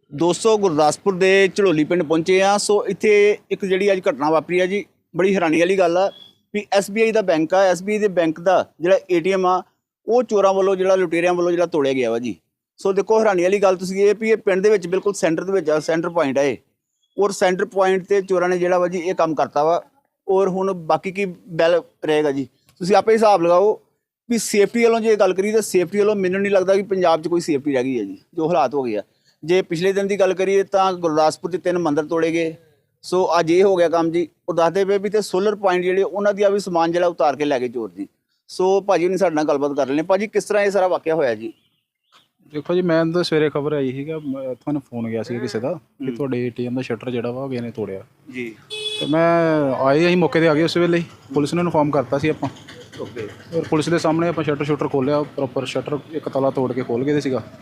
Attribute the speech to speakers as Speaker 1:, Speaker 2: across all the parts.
Speaker 1: ਦੋਸਤੋ ਗੁਰਦਾਸਪੁਰ ਦੇ ਝੜੋਲੀ ਪਿੰਡ ਪਹੁੰਚੇ ਆ। ਸੋ ਇੱਥੇ ਇੱਕ ਜਿਹੜੀ ਅੱਜ ਘਟਨਾ ਵਾਪਰੀ ਆ ਜੀ, ਬੜੀ ਹੈਰਾਨੀ ਵਾਲੀ ਗੱਲ ਆ ਵੀ SBI ਦਾ ਬੈਂਕ ਆ। SBI ਦੇ ਬੈਂਕ ਦਾ ਜਿਹੜਾ ATM ਆ ਉਹ ਚੋਰਾਂ ਵੱਲੋਂ ਜਿਹੜਾ ਲੁਟੇਰਿਆਂ ਵੱਲੋਂ ਜਿਹੜਾ ਤੋੜਿਆ ਗਿਆ ਵਾ ਜੀ। ਸੋ ਦੇਖੋ ਹੈਰਾਨੀ ਵਾਲੀ ਗੱਲ ਤੁਸੀਂ ਇਹ ਵੀ ਇਹ ਪਿੰਡ ਦੇ ਵਿੱਚ ਬਿਲਕੁਲ ਸੈਂਟਰ ਦੇ ਵਿੱਚ ਆ, ਸੈਂਟਰ ਪੁਆਇੰਟ ਆ ਇਹ, ਔਰ ਸੈਂਟਰ ਪੁਆਇੰਟ ਤੇ ਚੋਰਾਂ ਨੇ ਜਿਹੜਾ ਵਾ ਜੀ ਇਹ ਕੰਮ ਕਰਤਾ ਵਾ। ਔਰ ਹੁਣ ਬਾਕੀ ਕੀ ਬੈਲ ਰਹੇਗਾ ਜੀ, ਤੁਸੀਂ ਆਪੇ ਹਿਸਾਬ ਲਗਾਓ ਵੀ ਸੇਫਟੀ ਵੱਲੋਂ ਜੇ ਗੱਲ ਕਰੀਏ ਤਾਂ ਸੇਫਟੀ ਵੱਲੋਂ ਮੈਨੂੰ ਨਹੀਂ ਲੱਗਦਾ ਕਿ ਪੰਜਾਬ 'ਚ ਕੋਈ ਸੇਫਟੀ ਰਹਿ ਗਈ ਹੈ ਜੀ, ਜੋ ਹਾਲਾਤ ਹੋ ਗਏ ਆ। ਜੇ ਪਿਛਲੇ ਦਿਨ ਦੀ ਗੱਲ ਕਰੀਏ ਤਾਂ ਗੁਰਦਾਸਪੁਰ 'ਚ 3 ਮੰਦਿਰ ਤੋੜੇ ਗਏ। ਸੋ ਅੱਜ ਇਹ ਹੋ ਗਿਆ ਕੰਮ ਜੀ। ਉਹ ਦੱਸਦੇ ਪਏ ਵੀ ਤੇ ਸੋਲਰ ਪੁਆਇੰਟ ਜਿਹੜੇ ਉਹਨਾਂ ਦੀ ਆ ਵੀ ਸਮਾਨ ਜਿਹੜਾ ਉਤਾਰ ਕੇ ਲੈ ਗਏ ਚੋਰ ਜੀ। ਸੋ ਭਾਜੀ ਨੇ ਸਾਡੇ ਨਾਲ ਗੱਲਬਾਤ ਕਰ ਲੈਣੇ। ਭਾਜੀ ਕਿਸ ਤਰ੍ਹਾਂ ਇਹ ਸਾਰਾ ਵਾਕਿਆ ਹੋਇਆ ਜੀ?
Speaker 2: ਦੇਖੋ ਜੀ, ਮੈਂ ਤਾਂ ਸਵੇਰੇ ਖਬਰ ਆਈ ਸੀਗਾ, ਤੁਹਾਨੂੰ ਫੋਨ ਗਿਆ ਸੀ ਕਿਸੇ ਦਾ ਕਿ ਤੁਹਾਡੇ ATM ਦਾ ਸ਼ਟਰ ਜਿਹੜਾ ਵਾ ਕਿਸੇ ਨੇ ਤੋੜਿਆ
Speaker 1: ਜੀ।
Speaker 2: ਤੇ ਮੈਂ ਆਏ, ਅਸੀਂ ਮੌਕੇ ਤੇ ਆ ਗਏ ਉਸ ਵੇਲੇ ਹੀ। ਪੁਲਿਸ ਨੂੰ ਇਨਫੋਰਮ ਕਰਤਾ ਸੀ ਆਪਾਂ।
Speaker 1: ਓਕੇ।
Speaker 2: ਔਰ ਪੁਲਿਸ ਦੇ ਸਾਹਮਣੇ ਆਪਾਂ ਸ਼ਟਰ ਖੋਲ੍ਹਿਆ, ਪ੍ਰੋਪਰ ਸ਼ਟਰ ਇੱਕ ਤਾਲਾ ਤੋੜ ਕੇ ਖੋਲ੍ਹ ਗਏ ਸੀਗਾ।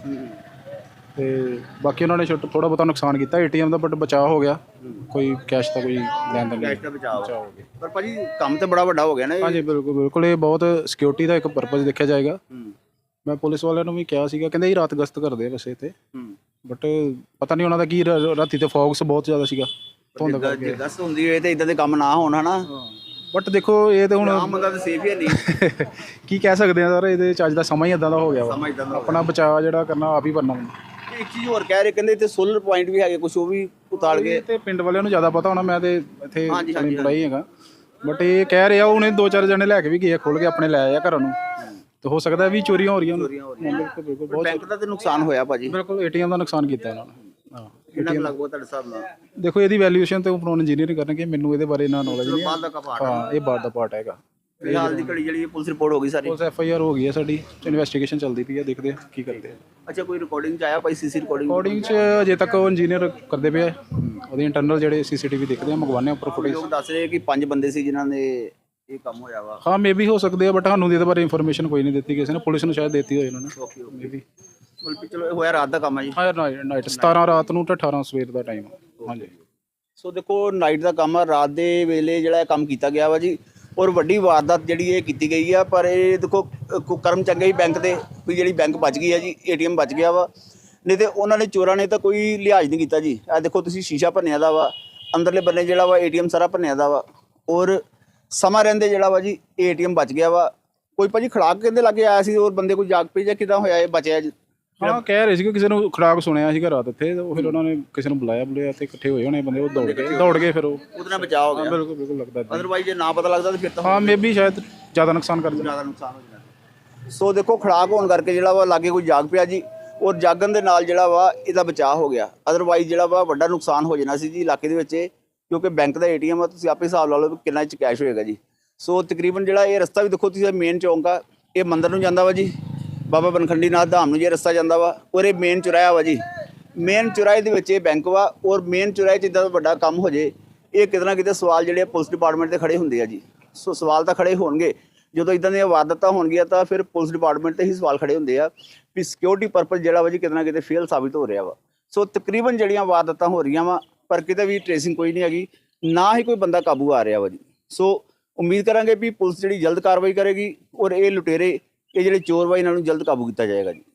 Speaker 2: ਤੇ ਬਾਕੀ ਉਹਨਾਂ ਨੇ ਸ਼ਟਰ ਥੋੜਾ ਬਹੁਤਾ ਨੁਕਸਾਨ ਕੀਤਾ ATM ਦਾ, ਬਟ ਬਚਾਅ ਹੋ ਗਿਆ। ਕੋਈ ਕੈਸ਼ ਦਾ ਕੋਈ ਲੈਣ ਦੇਣ
Speaker 1: ਕੈਸ਼ ਦਾ ਬਚਾਅ ਹੋ ਗਿਆ। ਪਰ ਭਾਜੀ ਕੰਮ ਤੇ ਬੜਾ ਵੱਡਾ ਹੋ ਗਿਆ ਨਾ ਇਹ।
Speaker 2: ਹਾਂਜੀ ਬਿਲਕੁਲ ਬਿਲਕੁਲ, ਇਹ ਬਹੁਤ ਸਿਕਿਉਰਿਟੀ ਦਾ ਇੱਕ ਪਰਪਸ ਦੇਖਿਆ ਜਾਏਗਾ। ਮੈਂ ਪੁਲਿਸ ਵਾਲਿਆਂ ਨੂੰ ਵੀ ਕਿਹਾ ਸੀਗਾ, ਕਹਿੰਦੇ ਇਹ ਰਾਤ ਗਸ਼ਤ ਕਰਦੇ ਆ ਵੈਸੇ ਤੇ, ਬਟ ਪਤਾ ਨਹੀਂ ਉਹਨਾਂ ਦਾ ਕੀ, ਰਾਤੀ ਤੇ ਫੌਗਸ ਬਹੁਤ ਜ਼ਿਆਦਾ ਸੀਗਾ, ਧੁੰਦ ਕਰਕੇ।
Speaker 1: ਗਸ਼ਤ ਹੁੰਦੀ ਹੋਏ ਤੇ ਇਦਾਂ ਦੇ ਕੰਮ ਨਾ ਹੋਣ ਹਨਾ।
Speaker 2: ਬਟ ਦੇਖੋ ਇਹ ਤੇ ਹੁਣ
Speaker 1: ਆਮ ਬੰਦਾ ਤਾਂ ਸੇਫ ਹੀ ਨਹੀਂ।
Speaker 2: ਕੀ ਕਹਿ ਸਕਦੇ ਆ ਸਰ, ਇਹਦੇ ਚ ਅੱਜ ਦਾ ਸਮਾਂ ਹੀ ਇਦਾਂ ਦਾ ਹੋ ਗਿਆ ਵਾ। ਆਪਣਾ ਬਚਾਅ ਜਿਹੜਾ ਕਰਨਾ ਆਪ ਹੀ ਕਰਨਾ।
Speaker 1: ਇੱਕ ਚੀਜ਼ ਹੋਰ ਕਹਿ ਰਹੇ, ਕਹਿੰਦੇ ਇੱਥੇ ਸੋਲਰ ਪੁਆਇੰਟ ਵੀ ਹੈਗੇ ਕੁਝ, ਉਹ ਵੀ ਉਤਾਲ ਗਏ।
Speaker 2: ਤੇ ਪਿੰਡ ਵਾਲਿਆਂ ਨੂੰ ਜ਼ਿਆਦਾ ਪਤਾ ਹੋਣਾ, ਮੈਂ ਤੇ ਇੱਥੇ ਪੜਾਈ ਹੈਗਾ। ਬਟ ਇਹ ਕਹਿ ਰਿਹਾ ਉਹਨੇ 2-4 ਜਣੇ ਲੈ ਕੇ ਵੀ ਗਏ, ਖੋਲ ਕੇ ਆਪਣੇ ਲੈ ਆਇਆ ਘਰਾਂ ਨੂੰ। ਤੇ ਹੋ ਸਕਦਾ ਵੀ ਚੋਰੀਆਂ ਹੋ ਰਹੀਆਂ। ਬਿਲਕੁਲ ਬਿਲਕੁਲ, ਬਹੁਤ
Speaker 1: ਬੈਂਕ ਦਾ ਤੇ ਨੁਕਸਾਨ ਹੋਇਆ ਭਾਜੀ।
Speaker 2: ਬਿਲਕੁਲ ATM ਦਾ ਨੁਕਸਾਨ ਕੀਤਾ ਇਹਨਾਂ ਨੇ। ਹਾਂ,
Speaker 1: ਕਿੰਨਾ ਕੁ ਲੱਗਦਾ ਤੁਹਾਡੇ ਹਿਸਾਬ ਨਾਲ?
Speaker 2: ਦੇਖੋ ਇਹਦੀ ਵੈਲਿਊਏਸ਼ਨ ਤੇ ਉਪਰੋਂ ਇੰਜੀਨੀਅਰਿੰਗ ਕਰਨਗੇ, ਮੈਨੂੰ ਇਹਦੇ ਬਾਰੇ ਨਾ ਨੌਲੇਜ ਨਹੀਂ।
Speaker 1: ਬਾਅਦ ਦਾ ਪਾਰਟ
Speaker 2: ਹਾਂ, ਇਹ ਬਾਅਦ ਦਾ ਪਾਰਟ ਹੈਗਾ।
Speaker 1: ਫਿਲਹਾਲ ਦੀ ਘੜੀ ਜਿਹੜੀ ਪੁਲਿਸ ਰਿਪੋਰਟ ਹੋ ਗਈ ਸਾਰੀ,
Speaker 2: ਪੁਲਿਸ FIR ਹੋ ਗਈ ਹੈ ਸਾਡੀ, ਇਨਵੈਸਟੀਗੇਸ਼ਨ ਚੱਲਦੀ ਪਈ ਹੈ, ਦੇਖਦੇ ਆ ਕੀ ਕਰਦੇ ਆ।
Speaker 1: ਅੱਛਾ, ਕੋਈ ਰਿਕਾਰਡਿੰਗ ਚ ਆਇਆ ਭਾਈ? CC
Speaker 2: ਰਿਕਾਰਡਿੰਗ ਚ ਅਜੇ ਤੱਕ ਉਹ ਇੰਜੀਨੀਅਰ ਕਰਦੇ ਪਏ ਆ, ਉਹਦੇ ਇੰਟਰਨਲ ਜਿਹੜੇ CCTV ਦੇਖਦੇ ਆ, ਮੰਗਵਾਉਂਦੇ ਆ ਉੱਪਰ ਫੁਟੇਜ।
Speaker 1: ਲੋਕ ਦੱਸ ਰਹੇ ਕਿ 5 ਬੰਦੇ ਸੀ ਜਿਨ੍ਹਾਂ ਨੇ ਇਹ ਕੰਮ ਹੋਇਆ ਵਾ।
Speaker 2: ਹਾਂ, ਮੇਬੀ ਹੋ ਸਕਦੇ ਆ, ਬਟ ਸਾਨੂੰ ਇਹਦੇ ਬਾਰੇ ਇਨਫੋਰਮੇਸ਼ਨ ਕੋਈ ਨਹੀਂ ਦਿੱਤੀ ਕਿਸੇ ਨੇ। ਪੁਲਿਸ ਨੂੰ ਸ਼ਾਇਦ ਦਿੱਤੀ ਹੋਈ ਉਹਨਾਂ ਨੇ।
Speaker 1: Okay okay.
Speaker 2: ਮੇਬੀ
Speaker 1: ਚਲੋ ਇਹ ਹੋਇਆ ਰਾਤ ਦਾ ਕੰਮ ਹੈ ਜੀ।
Speaker 2: ਹਾਂ, ਨਾਈਟ 17 ਰਾਤ ਨੂੰ ਤੇ 18 ਸਵੇਰ ਦਾ ਟਾਈਮ। ਹਾਂਜੀ।
Speaker 1: ਸੋ ਦੇਖੋ ਨਾਈਟ ਦਾ ਕੰਮ ਆ, ਰਾਤ ਦੇ ਵੇਲੇ ਜਿਹੜਾ ਇਹ ਕੰਮ ਕੀਤਾ ਗਿਆ ਵਾ ਜੀ। ਔਰ ਵੱਡੀ ਵਾਰਦਾਤ ਜਿਹੜੀ ਇਹ ਕੀਤੀ ਗਈ ਆ। ਪਰ ਇਹ ਦੇਖੋ ਕਰਮ ਚੰਗੇ ਹੀ ਬੈਂਕ ਦੇ ਵੀ ਜਿਹੜੀ ਬੈਂਕ ਬਚ ਗਈ ਆ ਜੀ, ATM ਬਚ ਗਿਆ ਵਾ। ਨਹੀਂ ਤੇ ਉਹਨਾਂ ਨੇ ਚੋਰਾਂ ਨੇ ਤਾਂ ਕੋਈ ਲਿਹਾਜ਼ ਨਹੀਂ ਕੀਤਾ ਜੀ। ਇਹ ਦੇਖੋ ਤੁਸੀਂ ਸ਼ੀਸ਼ਾ ਭੰਨਿਆ ਦਾ ਵਾ, ਅੰਦਰਲੇ ਬੰਨੇ ਜਿਹੜਾ ਵਾ ATM ਸਾਰਾ ਭੰਨਿਆ ਦਾ ਵਾ। ਔਰ ਸਮਾਂ ਰਹਿੰਦੇ ਜਿਹੜਾ ਵਾ ਜੀ ATM ਬਚ ਗਿਆ ਵਾ। ਕੋਈ ਭਾਜੀ ਖੜਾਕ ਕਹਿੰਦੇ ਲੱਗੇ ਆਇਆ ਸੀ, ਔਰ ਬੰਦੇ ਕੋਈ ਜਾਗ ਪਈ ਜਾਂ ਕਿਦਾਂ ਹੋਇਆ ਇਹ ਬਚਿਆ ਜੀ?
Speaker 2: ਹਾਂ, ਕਹਿ ਰਹੇ ਸੀ ਕਿ ਕਿਸੇ ਨੂੰ ਖੜਾਕ ਸੁਣਿਆ ਸੀਗਾ ਰਾਤ ਇੱਥੇ, ਤੇ ਫਿਰ ਉਹਨਾਂ ਨੇ ਕਿਸੇ ਨੂੰ ਬੁਲਾਇਆ ਤੇ ਇਕੱਠੇ ਹੋਏ ਹੋਣੇ ਬੰਦੇ, ਉਹ ਦੌੜ ਗਏ ਫਿਰ
Speaker 1: ਉਹਦੇ ਨਾਲ ਬਚਾਅ ਹੋ ਗਿਆ।
Speaker 2: ਬਿਲਕੁਲ ਬਿਲਕੁਲ ਲੱਗਦਾ।
Speaker 1: ਅਦਰਵਾਈਜ਼ ਜੇ ਨਾ ਪਤਾ ਲੱਗਦਾ ਤਾਂ ਫਿਰ ਤਾਂ
Speaker 2: ਹਾਂ, ਮੇਬੀ ਸ਼ਾਇਦ ਜ਼ਿਆਦਾ ਨੁਕਸਾਨ ਕਰ
Speaker 1: ਜ਼ਿਆਦਾ ਨੁਕਸਾਨ ਹੋ ਜਾਣਾ। ਸੋ ਦੇਖੋ ਖੜਾਕ ਹੋਣ ਕਰਕੇ ਜਿਹੜਾ ਵਾ ਲਾਗੇ ਕੋਈ ਜਾਗ ਪਿਆ ਜੀ, ਔਰ ਜਾਗਣ ਦੇ ਨਾਲ ਜਿਹੜਾ ਵਾ ਇਹਦਾ ਬਚਾਅ ਹੋ ਗਿਆ। ਅਦਰਵਾਈਜ਼ ਜਿਹੜਾ ਵਾ ਵੱਡਾ ਨੁਕਸਾਨ ਹੋ ਜਾਣਾ ਸੀ ਜੀ ਇਲਾਕੇ ਦੇ ਵਿੱਚ, ਕਿਉਂਕਿ ਬੈਂਕ ਦਾ ATM ਆ, ਤੁਸੀਂ ਆਪੇ ਹਿਸਾਬ ਲਾ ਲਓ ਵੀ ਕਿੰਨਾ ਚ ਕੈਸ਼ ਹੋਏਗਾ ਜੀ। ਸੋ ਤਕਰੀਬਨ ਜਿਹੜਾ ਇਹ ਰਸਤਾ ਵੀ ਦੇਖੋ ਤੁਸੀਂ, ਮੇਨ ਚੌਂਕ ਆ, ਇਹ ਮੰਦਿਰ ਨੂੰ ਜਾਂਦਾ ਵਾ ਜੀ, ਬਾਬਾ ਬਨਖੰਡੀ ਨਾਥ ਧਾਮ ਨੂੰ ਜੇ ਰਸਤਾ ਜਾਂਦਾ ਵਾ। ਔਰ ਇਹ ਮੇਨ ਚੁਰਾਇਆ ਵਾ ਜੀ, ਮੇਨ ਚੁਰਾਏ ਦੇ ਵਿੱਚ ਇਹ ਬੈਂਕ ਵਾ। ਔਰ ਮੇਨ ਚੁਰਾਏ 'ਚ ਇੱਦਾਂ ਦਾ ਵੱਡਾ ਕੰਮ ਹੋ ਜੇ, ਇਹ ਕਿਤੇ ਨਾ ਕਿਤੇ ਸਵਾਲ ਜਿਹੜੇ ਪੁਲਿਸ ਡਿਪਾਰਟਮੈਂਟ 'ਤੇ ਖੜੇ ਹੁੰਦੇ ਆ ਜੀ। ਸੋ ਸਵਾਲ ਤਾਂ ਖੜੇ ਹੋਣਗੇ ਜਦੋਂ ਇੱਦਾਂ ਦੀਆਂ ਵਾਰਦਾਤਾਂ ਹੋਣਗੀਆਂ, ਤਾਂ ਫਿਰ ਪੁਲਿਸ ਡਿਪਾਰਟਮੈਂਟ 'ਤੇ ਹੀ ਸਵਾਲ ਖੜੇ ਹੁੰਦੇ ਆ ਵੀ ਸਿਕਿਉਰਿਟੀ ਪਰਪਸ ਜਿਹੜਾ ਵਾ ਜੀ ਕਿਤੇ ਨਾ ਕਿਤੇ ਫੇਲ ਸਾਬਿਤ ਹੋ ਰਿਹਾ ਵਾ। ਸੋ ਤਕਰੀਬਨ ਜਿਹੜੀਆਂ ਵਾਰਦਾਤਾਂ ਹੋ ਰਹੀਆਂ ਵਾ, ਪਰ ਕਿਤੇ ਵੀ ਟ੍ਰੇਸਿੰਗ ਕੋਈ ਨਹੀਂ ਹੈਗੀ, ਨਾ ਹੀ ਕੋਈ ਬੰਦਾ ਕਾਬੂ ਆ ਰਿਹਾ ਵਾ ਜੀ। ਸੋ ਉਮੀਦ ਕਰਾਂਗੇ ਵੀ ਪੁਲਿਸ ਜਿਹੜੀ ਜਲਦ ਕਾਰਵਾਈ ਕਰੇਗੀ, ਔਰ ਇਹ ਲੁਟੇਰੇ, ਇਹ ਜਿਹੜੇ ਚੋਰ ਵਾ, ਇਹਨਾਂ ਨੂੰ ਜਲਦ ਕਾਬੂ ਕੀਤਾ ਜਾਏਗਾ ਜੀ।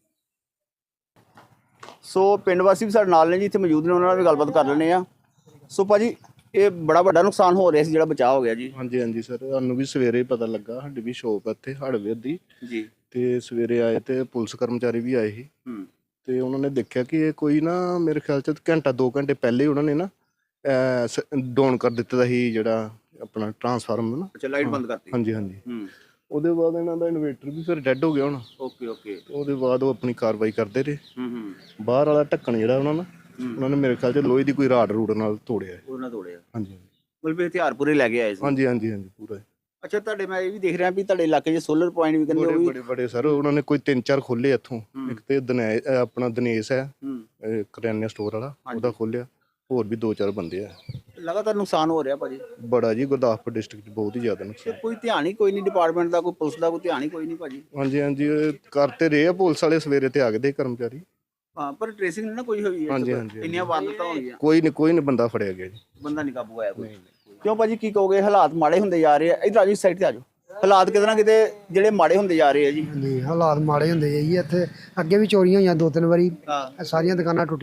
Speaker 1: ਸੋ ਪਿੰਡ ਵਾਸੀ ਵੀ ਸਾਡੇ ਨਾਲ ਨੇ ਜੀ, ਇੱਥੇ ਮੌਜੂਦ ਨੇ, ਉਹਨਾਂ ਨਾਲ ਵੀ ਗੱਲਬਾਤ ਕਰ ਲੈਂਦੇ ਆ। ਸੋ ਭਾਜੀ ਇਹ ਬੜਾ ਵੱਡਾ ਨੁਕਸਾਨ ਹੋ ਰਿਹਾ ਸੀ, ਜਿਹੜਾ ਬਚਾਅ ਹੋ ਗਿਆ ਜੀ।
Speaker 3: ਹਾਂਜੀ ਹਾਂਜੀ ਸਰ, ਸਾਨੂੰ ਵੀ ਸਵੇਰੇ ਪਤਾ ਲੱਗਾ, ਸਾਡੀ ਵੀ ਸ਼ੋਪ ਇੱਥੇ ਹੜਵੇ ਦੀ
Speaker 1: ਜੀ।
Speaker 3: ਤੇ ਸਵੇਰੇ ਆਏ ਤੇ ਪੁਲਿਸ ਕਰਮਚਾਰੀ ਵੀ ਆਏ ਸੀ। ਤੇ ਉਹਨਾਂ ਨੇ ਦੇਖਿਆ ਕਿ ਇਹ ਕੋਈ ਨਾ, ਮੇਰੇ ਖਿਆਲ 'ਚ ਘੰਟਾ 2 ਘੰਟੇ ਪਹਿਲੇ ਉਹਨਾਂ ਨੇ ਨਾ ਡਾਊਨ ਕਰ ਦਿੱਤਾ ਦਾ ਸੀ ਜਿਹੜਾ ਆਪਣਾ ਟਰਾਂਸਫਾਰਮਰ ਨਾ।
Speaker 1: ਅੱਛਾ, ਲਾਈਟ ਬੰਦ ਕਰਤੀ।
Speaker 3: ਹਾਂਜੀ ਹਾਂਜੀ। ਉਹਦੇ ਬਾਅਦ ਇਹਨਾਂ ਦਾ ਇਨਵੇਟਰ ਵੀ ਫਿਰ ਡੈੱਡ ਹੋ ਗਿਆ ਹੁਣ।
Speaker 1: Okay okay.
Speaker 3: ਉਹਦੇ ਬਾਅਦ ਉਹ ਆਪਣੀ ਕਾਰਵਾਈ ਕਰਦੇ ਰਹੇ। ਬਾਹਰ ਵਾਲਾ ਢੱਕਣ ਜਿਹੜਾ ਉਹਨਾਂ ਨੇ ਮੇਰੇ ਖਿਆਲ 'ਚ ਲੋਹੇ ਦੀ ਕੋਈ ਰੂਟ ਨਾਲ ਤੋੜਿਆ।
Speaker 1: ਉਹਨਾਂ ਤੋੜਿਆ।
Speaker 3: ਹਾਂਜੀ।
Speaker 1: ਮਤਲਬ ਵੀ ਹਥਿਆਰ ਪੂਰੇ ਲੈ ਕੇ ਆਏ ਸੀ।
Speaker 3: ਹਾਂਜੀ ਹਾਂਜੀ ਹਾਂਜੀ, ਪੂਰਾ।
Speaker 1: ਅੱਛਾ, ਤੁਹਾਡੇ ਮੈਂ ਇਹ ਵੀ ਦੇਖ ਰਿਹਾ ਵੀ ਤੁਹਾਡੇ ਇਲਾਕੇ 'ਚ ਸੋਲਰ ਪੁਆਇੰਟ ਵੀ ਕਹਿੰਦੇ
Speaker 3: ਬੜੇ ਬੜੇ ਸਰ, ਉਹਨਾਂ ਨੇ ਕੋਈ 3-4 ਖੋਲੇ ਇੱਥੋਂ। ਇੱਕ ਤੇ ਆਪਣਾ ਦਿਨੇਸ਼ ਹੈ ਕਰਿਆਨੇ ਸਟੋਰ ਵਾਲਾ, ਉਹਦਾ ਖੋਲਿਆ। ਹੋਰ ਵੀ 2-4 ਬੰਦੇ ਆ।
Speaker 1: ਲਗਾਤਾਰ ਨੁਕਸਾਨ ਹੋ ਰਿਹਾ ਭਾਜੀ
Speaker 3: ਬੜਾ ਜੀ, ਗੁਰਦਾਸਪੁਰ ਡਿਸਟ੍ਰਿਕਟ 'ਚ ਬਹੁਤ ਹੀ ਜ਼ਿਆਦਾ ਨੁਕਸਾਨ।
Speaker 1: ਕੋਈ ਧਿਆਨ ਹੀ ਕੋਈ ਨਹੀਂ ਡਿਪਾਰਟਮੈਂਟ ਦਾ, ਕੋਈ ਪੁਲਿਸ ਦਾ ਕੋਈ ਧਿਆਨ ਹੀ ਕੋਈ ਨਹੀਂ ਭਾਜੀ।
Speaker 3: ਹਾਂਜੀ ਹਾਂਜੀ, ਕਰਤੇ ਰਹੇ ਆ ਪੁਲਿਸ ਵਾਲੇ, ਸਵੇਰੇ ਤੇ ਆ ਗਏ ਦੇ ਕਰਮਚਾਰੀ।
Speaker 1: ਹਾਂ, ਪਰ ਟ੍ਰੇਸਿੰਗ ਨਾ ਕੋਈ ਹੋਈ ਹੈ।
Speaker 3: ਹਾਂਜੀ ਹਾਂਜੀ,
Speaker 1: ਇੰਨੀਆਂ ਵਾਰਦਾਤਾਂ ਹੋ ਗਈਆਂ,
Speaker 3: ਕੋਈ ਨਹੀਂ ਬੰਦਾ ਫੜਿਆ ਗਿਆ ਜੀ।
Speaker 1: ਬੰਦਾ ਨਹੀਂ ਕਾਬੂ ਆਇਆ ਕੋਈ। ਕਿਉਂ ਭਾਜੀ ਕੀ ਕਹੋਗੇ? ਹਾਲਾਤ ਮਾੜੇ ਹੁੰਦੇ ਜਾ ਰਹੇ ਆ। ਇੱਧਰ ਆ ਜੀ, ਸਾਈਡ ਤੇ ਆ ਜਾਓ। ਹਾਲਾਤ ਕਿਤੇ ਨਾ ਕਿਤੇ ਜਿਹੜੇ ਮਾੜੇ ਹੁੰਦੇ ਜਾ ਰਹੇ ਆ ਜੀ।
Speaker 4: ਹਾਲਾਤ ਮਾੜੇ ਹੁੰਦੇ ਆ ਜੀ। ਇੱਥੇ ਅੱਗੇ ਵੀ ਚੋਰੀਆਂ ਹੋਈਆਂ 2-3 ਵਾਰੀ, ਸਾਰੀਆਂ ਦੁਕਾਨਾਂ ਟੁੱਟੀਆਂ।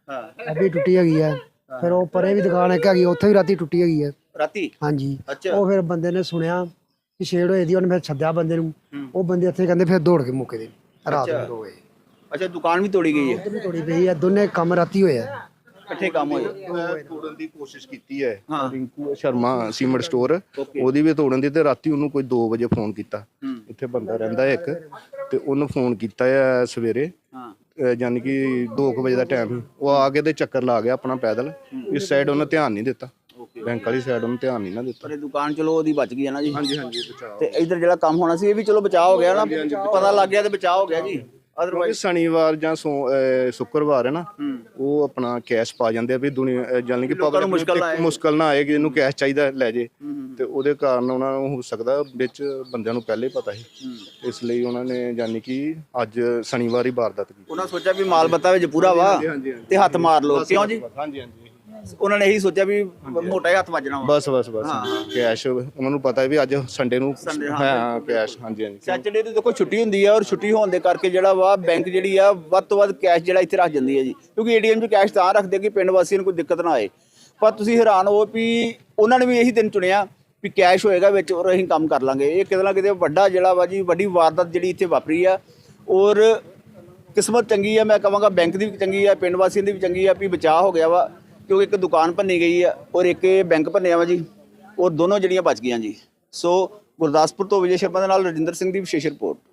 Speaker 1: ਹਾਂ
Speaker 4: ਉਹ ਵੀ ਟੁੱਟੀ ਹੈਗੀ ਹੈ। ਫਿਰ ਉਹ ਪਰੇ ਵੀ ਦੁਕਾਨ ਇੱਕ ਹੈਗੀ ਉੱਥੇ ਵੀ ਰਾਤੀ ਟੁੱਟੀ ਹੈਗੀ ਹੈ।
Speaker 1: ਰਾਤੀ
Speaker 4: ਹਾਂਜੀ
Speaker 1: ਅੱਛਾ
Speaker 4: ਉਹ ਫਿਰ ਬੰਦੇ ਨੇ ਸੁਣਿਆ ਕਿ ਛੇੜ ਹੋਈ ਦੀ, ਉਹਨੇ ਫਿਰ ਸੱਦਿਆ ਬੰਦੇ ਨੂੰ। ਉਹ ਬੰਦੇ ਇੱਥੇ ਕਹਿੰਦੇ ਫਿਰ ਦੌੜ ਕੇ ਮੁੱਕੇ ਦੇ ਰਾਤ ਨੂੰ 2 ਵਜੇ
Speaker 1: ਅੱਛਾ ਦੁਕਾਨ ਵੀ ਤੋੜੀ ਗਈ ਹੈ,
Speaker 4: ਵੀ ਤੋੜੀ ਪਈ ਹੈ। ਦੋਨੇ ਕੰਮ ਰਾਤੀ ਹੋਏ ਆ।
Speaker 1: ਇਕੱਠੇ ਕੰਮ ਹੋਏ।
Speaker 3: ਤੋੜਨ ਦੀ ਕੋਸ਼ਿਸ਼ ਕੀਤੀ ਹੈ
Speaker 1: ਹਾਂ।
Speaker 3: ਰਿੰਕੂ ਸ਼ਰਮਾ ਸੀਮੈਂਟ ਸਟੋਰ, ਉਹਦੀ ਵੀ ਤੋੜਨ ਦੀ। ਤੇ ਰਾਤੀ ਉਹਨੂੰ ਕੋਈ 2 ਵਜੇ ਫੋਨ ਕੀਤਾ, ਇੱਥੇ ਬੰਦਾ ਰਹਿੰਦਾ ਹੈ ਇੱਕ, ਤੇ ਉਹਨੂੰ ਫੋਨ ਕੀਤਾ ਹੈ ਸਵੇਰੇ,
Speaker 1: ਹਾਂ
Speaker 3: ਯਾਨੀ ਕਿ 2 ਵਜੇ ਦਾ ਟਾਈਮ ਸੀ। ਉਹ ਆ ਕੇ ਤੇ ਚੱਕਰ ਲਾ ਗਿਆ ਆਪਣਾ ਪੈਦਲ। ਇਸ ਸਾਈਡ ਉਹਨੇ ਧਿਆਨ ਨਹੀਂ ਦਿੱਤਾ, ਬੈਂਕ ਵਾਲੀ ਸਾਈਡ ਉਹਨੇ ਧਿਆਨ ਨਹੀਂ ਨਾ ਦਿੱਤਾ।
Speaker 1: ਪਰ ਇਹ ਦੁਕਾਨ ਚਲੋ ਉਹਦੀ ਬਚ ਗਈ ਹੈ ਨਾ ਜੀ।
Speaker 3: ਹਾਂਜੀ ਹਾਂਜੀ ਬਚਾਓ।
Speaker 1: ਤੇ ਇਧਰ ਜਿਹੜਾ ਕੰਮ ਹੋਣਾ ਸੀ ਇਹ ਵੀ ਚਲੋ ਬਚਾਅ ਹੋ ਗਿਆ ਨਾ, ਪਤਾ ਲੱਗ ਗਿਆ ਤੇ ਬਚਾਅ ਹੋ ਗਿਆ ਜੀ।
Speaker 3: ਕਿਉਂਕਿ
Speaker 1: ਅਦਰਵਾਈਜ਼
Speaker 3: ਸ਼ਨੀਵਾਰ ਜਾਂ ਸ਼ੁੱਕਰਵਾਰ ਹੈ ਨਾ, ਉਹ ਆਪਣਾ ਕੈਸ਼ ਪਾ ਜਾਂਦੇ ਆ ਵੀ ਦੁਨੀਆ, ਯਾਨੀ ਕਿ
Speaker 1: ਲੋਕਾਂ ਨੂੰ
Speaker 3: ਪਬਲਿਕ ਮੁਸ਼ਕਲ ਨਾ ਆਏ ਕਿ ਇਹਨੂੰ ਕੈਸ਼ ਚਾਹੀਦਾ ਲੈ ਜੇ। ਤੇ ਉਹਦੇ ਕਾਰਨ ਉਹਨਾਂ ਨੂੰ ਹੋ ਸਕਦਾ ਵਿੱਚ ਬੰਦਿਆਂ ਨੂੰ ਪਹਿਲੇ ਪਤਾ ਸੀ, ਇਸ ਲਈ ਉਹਨਾਂ ਨੇ ਯਾਨੀ ਕਿ ਅੱਜ ਸ਼ਨੀਵਾਰ ਹੀ ਵਾਰਦਾਤ ਕੀਤੀ।
Speaker 1: ਉਹਨਾਂ ਸੋਚਿਆ ਵੀ ਮਾਲ ਬੱਤਾ ਵਿੱਚ ਪੂਰਾ ਵਾ ਤੇ ਹੱਥ ਮਾਰ ਲਓ, ਕਿਉਂ ਜੀ?
Speaker 3: ਹਾਂਜੀ ਹਾਂਜੀ
Speaker 1: ਉਹਨਾਂ ਨੇ ਇਹੀ ਸੋਚਿਆ ਵੀ ਮੋਟਾ ਹੀ ਹੱਥ ਵੱਜਣਾ ਵਾ।
Speaker 3: ਬਸ ਕੈਸ਼ ਉਹਨਾਂ ਨੂੰ ਪਤਾ ਹੈ ਵੀ ਅੱਜ ਸੰਡੇ ਨੂੰ ਹਾਂ ਕੈਸ਼। ਹਾਂਜੀ ਹਾਂਜੀ
Speaker 1: ਸੈਚਰਡੇ ਨੂੰ ਦੇਖੋ ਛੁੱਟੀ ਹੁੰਦੀ ਹੈ, ਔਰ ਛੁੱਟੀ ਹੋਣ ਦੇ ਕਰਕੇ ਜਿਹੜਾ ਵਾ ਬੈਂਕ ਜਿਹੜੀ ਆ ਵੱਧ ਤੋਂ ਵੱਧ ਕੈਸ਼ ਜਿਹੜਾ ਇੱਥੇ ਰੱਖ ਜਾਂਦੀ ਹੈ ਜੀ, ਕਿਉਂਕਿ ਏਟੀਐਮ 'ਚ ਕੈਸ਼ ਤਾਂ ਰੱਖਦੇ ਕਿ ਪਿੰਡ ਵਾਸੀਆਂ ਨੂੰ ਕੋਈ ਦਿੱਕਤ ਨਾ ਆਏ। ਪਰ ਤੁਸੀਂ ਹੈਰਾਨ ਹੋ ਵੀ ਉਹਨਾਂ ਨੇ ਵੀ ਇਹੀ ਦਿਨ ਚੁਣਿਆ ਵੀ ਕੈਸ਼ ਹੋਏਗਾ ਵਿੱਚ ਔਰ ਅਸੀਂ ਕੰਮ ਕਰ ਲਾਂਗੇ। ਇਹ ਕਿਤੇ ਨਾ ਕਿਤੇ ਵੱਡਾ ਜਿਹੜਾ ਵਾ ਜੀ ਵੱਡੀ ਵਾਰਦਾਤ ਜਿਹੜੀ ਇੱਥੇ ਵਾਪਰੀ ਆ। ਔਰ ਕਿਸਮਤ ਚੰਗੀ ਆ, ਮੈਂ ਕਹਾਂਗਾ ਬੈਂਕ ਦੀ ਵੀ ਚੰਗੀ ਆ, ਪਿੰਡ ਵਾਸੀਆਂ ਦੀ ਵੀ ਚੰਗੀ ਆ ਵੀ ਬਚਾਅ ਹੋ ਗਿਆ ਵਾ, ਕਿਉਂਕਿ ਇੱਕ ਦੁਕਾਨ ਭੰਨੀ ਗਈ ਆ ਔਰ ਇੱਕ ਬੈਂਕ ਭੰਨਿਆ ਵਾ ਜੀ, ਔਰ ਦੋਨੋਂ ਜਿਹੜੀਆਂ ਬਚ ਗਈਆਂ ਜੀ। ਸੋ ਗੁਰਦਾਸਪੁਰ ਤੋਂ ਵਿਜੇ ਸ਼ਰਮਾ ਦੇ ਨਾਲ ਰਜਿੰਦਰ ਸਿੰਘ ਦੀ ਵਿਸ਼ੇਸ਼ ਰਿਪੋਰਟ।